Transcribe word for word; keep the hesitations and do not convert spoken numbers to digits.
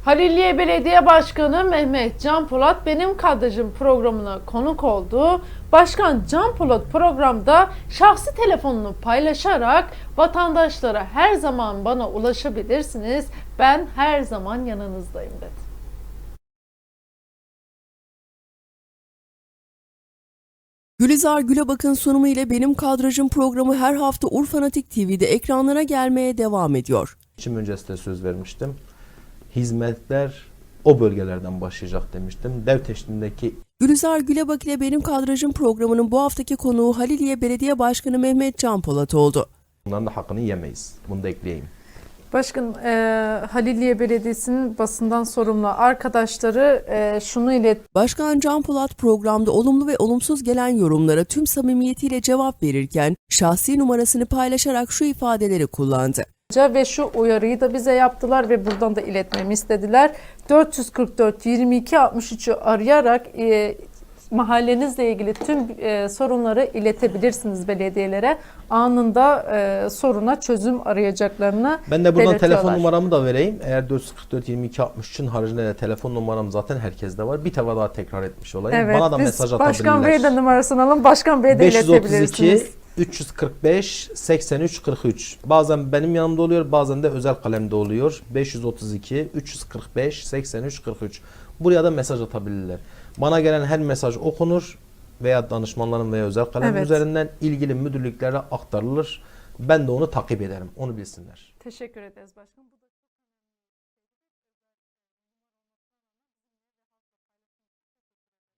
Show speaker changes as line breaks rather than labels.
Haliliye Belediye Başkanı Mehmet Can Polat benim kadrajım programına konuk oldu. Başkan Can Polat programda şahsi telefonunu paylaşarak vatandaşlara her zaman bana ulaşabilirsiniz. Ben her zaman yanınızdayım dedi.
Gülizar Gülebak'ın sunumu ile Benim Kadrajım programı her hafta Urfanatik T V'de ekranlara gelmeye devam ediyor.
Seçim öncesinde söz vermiştim. Hizmetler o bölgelerden başlayacak demiştim. Dev teşkilindeki
Gülizar Gülebak ile Benim Kadrajım programının bu haftaki konuğu Haliliye Belediye Başkanı Mehmet Can Polat oldu.
bunların da hakkını yemeyiz. Bunu da ekleyeyim.
Başkan, e, Haliliye Belediyesi'nin basından sorumlu arkadaşları e, şunu ilet.
Başkan Can Polat programda olumlu ve olumsuz gelen yorumlara tüm samimiyetiyle cevap verirken şahsi numarasını paylaşarak şu ifadeleri kullandı.
Ve şu uyarıyı da bize yaptılar ve buradan da iletmemi istediler. dört yüz kırk dört yirmi iki altmış üç'ü arayarak e, mahallenizle ilgili tüm e, sorunları iletebilirsiniz belediyelere. Anında e, soruna çözüm arayacaklarını
Ben de buradan
belirtiyorlar.
telefon numaramı da vereyim. Eğer dört yüz kırk dört yirmi iki altmış üçün haricinde de telefon numaram zaten herkeste var. Bir defa daha tekrar etmiş olayım.
Evet,
Bana da
biz
mesaj atabilirler.
Başkan Bey'e de numarasını alın. Başkan Bey'e de
beş yüz otuz
iletebilirsiniz.
iki üç yüz kırk beş seksen üç kırk üç. Bazen benim yanımda oluyor, bazen de özel kalemde oluyor. beş yüz otuz iki üç yüz kırk beş seksen üç kırk üç. Buraya da mesaj atabilirler. Bana gelen her mesaj okunur veya danışmanların veya özel kalem
Evet.
üzerinden ilgili müdürlüklere aktarılır. Ben de onu takip ederim. Onu bilsinler.
Teşekkür ederiz başkanım.